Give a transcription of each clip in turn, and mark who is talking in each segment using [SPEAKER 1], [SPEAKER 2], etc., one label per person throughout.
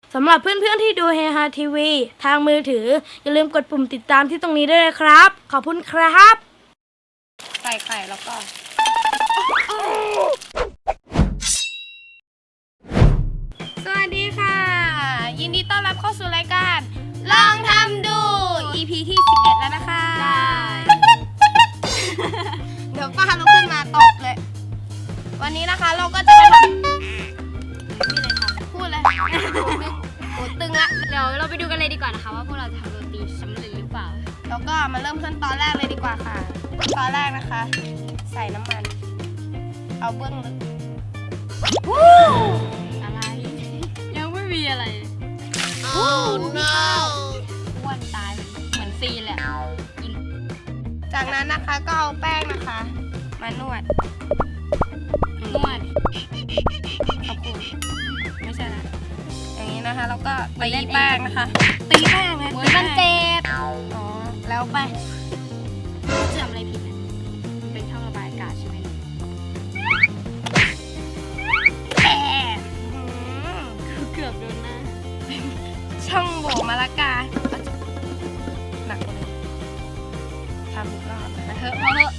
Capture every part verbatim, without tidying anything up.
[SPEAKER 1] สำหรับเพื่อนๆที่ดูเฮฮาทีวีทางมือถืออย่าลืมกดปุ่มติดตามที่ตรงนี้ด้วยนะครับ ขอบคุณครับ
[SPEAKER 2] ใส่ไข่แล้วก็สวัสดีค่ะยินดีต้อนรับเข้าสู่รายการลองทำดู อี พี ที่สิบเอ็ดแล้วนะคะเดี๋ยวป้าลุกขึ้นมาตบเลยวันนี้นะคะเราก็จะมาทำพูดเลยโอ้ตึงละ
[SPEAKER 3] เดี๋ยวเราไปดูกันเลยดีกว่านะคะว่าพวกเราจะทำโรตีสำเร็จหรือเปล่า
[SPEAKER 2] แล้วก็มาเริ่มขั้นตอนแรกเลยดีกว่าค่ะตอนแรกนะคะใส่น้ำมันเอาเบื้องลึก
[SPEAKER 3] อะไรยังไม่มีอะไรโอ้ no อ้วนตายเหมือนซีนแหละ
[SPEAKER 2] จากนั้นนะคะก็เอาแป้งนะคะมานวด
[SPEAKER 3] นวด
[SPEAKER 2] ขอบคุณไม่ใช่นะอย่างนี้นะคะแล้วก็ตีแป้งนะคะตีแป้งนะ
[SPEAKER 3] เหมือนมันเจ็บ
[SPEAKER 2] อ๋อแล้วไป
[SPEAKER 3] จะทำอะไรผิดอ่ะมันเป็นช่องระบายอากาศใช่ไหม
[SPEAKER 2] แอะ
[SPEAKER 3] เกือบโดนหน้า
[SPEAKER 2] ช่องโหว่มะละกาหนักกว่าเลยทำอีกรอบ
[SPEAKER 3] มาเถอะมาเถอะ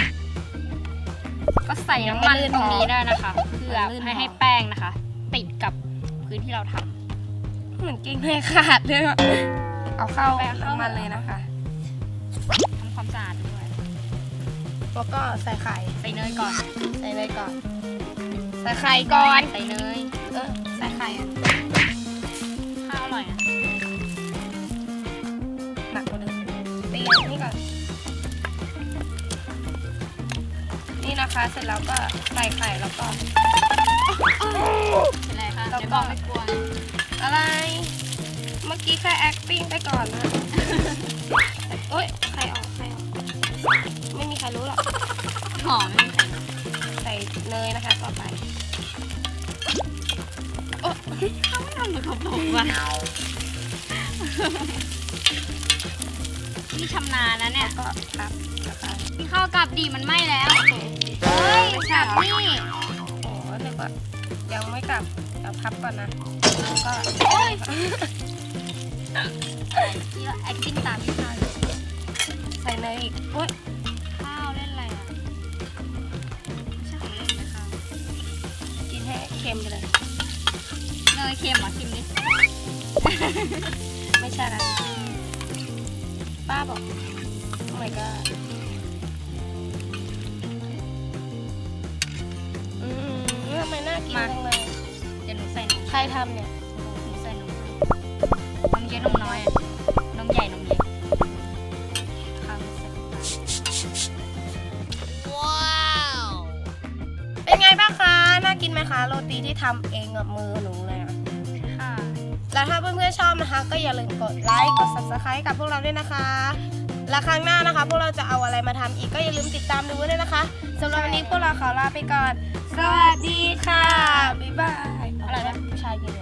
[SPEAKER 3] ก็ใส่น้ำมันตรงนี้ได้นะคะเพื่อให้ให้แป้งนะคะติดกับพื้นที่เราทำ
[SPEAKER 2] เหมือนเก่งเลยขาดเลยเอาเข้าน้ำมันเลยนะคะ
[SPEAKER 3] ทำความสะอาดด้วย
[SPEAKER 2] แล้วก็ใส่ไข่
[SPEAKER 3] ใส่เนยก่อน
[SPEAKER 2] ใส่เนยก่อนใส่ไข่ก่อน
[SPEAKER 3] ใส่เนย
[SPEAKER 2] เออใส่ไข่อ่ะ
[SPEAKER 3] ข้าวอร่อยอ่ะ
[SPEAKER 2] หนักกว่าเดิมตีนี่ก่อนนี่นะคะเสร็จแล้วก็ใส่ไข่แล้วก็
[SPEAKER 3] อะไรคะเดี๋ยวบอกไม่กลัว
[SPEAKER 2] อะไรเมื่อกี้แค่ acting ไปก่อนนะโอ๊ยไข่ออกไข่ออกไม่มีใครรู้หรอก
[SPEAKER 3] หอมไม่มีใคร
[SPEAKER 2] ใส่เนยนะคะต่อไป
[SPEAKER 3] โอ๊ยเขาไม่ทำเหมือนเขาบอกว่ะนี่ชำนาญนะเนี่ย
[SPEAKER 2] ก็ครับนะคะ
[SPEAKER 3] กินข้าวกับดีมันไหม้แล้วเฮ้ยกลับนี่
[SPEAKER 2] โอ้นึกว่ายังไม่กลับเดี๋ยวพับก่อนนะก็
[SPEAKER 3] โอ๊ยที่เรา acting ตามพี่ข้าว
[SPEAKER 2] ใส่เนยอีกโอ๊ย
[SPEAKER 3] ข้าวเล่นอะไรอ่ะไม่ใช่ของเล่นนะข้าว
[SPEAKER 2] กินให้เค็มไปเลย
[SPEAKER 3] เนยเค็มเหรอชิมดิ
[SPEAKER 2] ไม่ใช่นะป้าบอกโอ้ my god อืมทำไมน่ากินจังเลย
[SPEAKER 3] เดี๋ยวหนูใส่นม
[SPEAKER 2] ใครทำเนี่ย
[SPEAKER 3] หนูใส่นมนมเยอะนมน้อยอ่ะนมใหญ่นมเล็กข้าวใส่
[SPEAKER 2] ว้าวเป็นไงบ้างคะน่ากินไหมคะโรตีที่ทำเองกับมือหนูเลยอ่ะ
[SPEAKER 3] ค่ะ
[SPEAKER 2] แล้วถ้าเพื่อนๆชอบนะคะก็อย่าลืมกดไลค์กด ซับสไครบ์ กับพวกเราด้วยนะคะและครั้งหน้านะคะพวกเราจะเอาอะไรมาทำอีกก็อย่าลืมติดตามดูด้วยนะคะสำหรับวันนี้พวกเราขอลาไปก่อนสวัสดีค่ะบ๊ายบาย
[SPEAKER 3] อะไรนะ
[SPEAKER 2] ผู้ชายกิน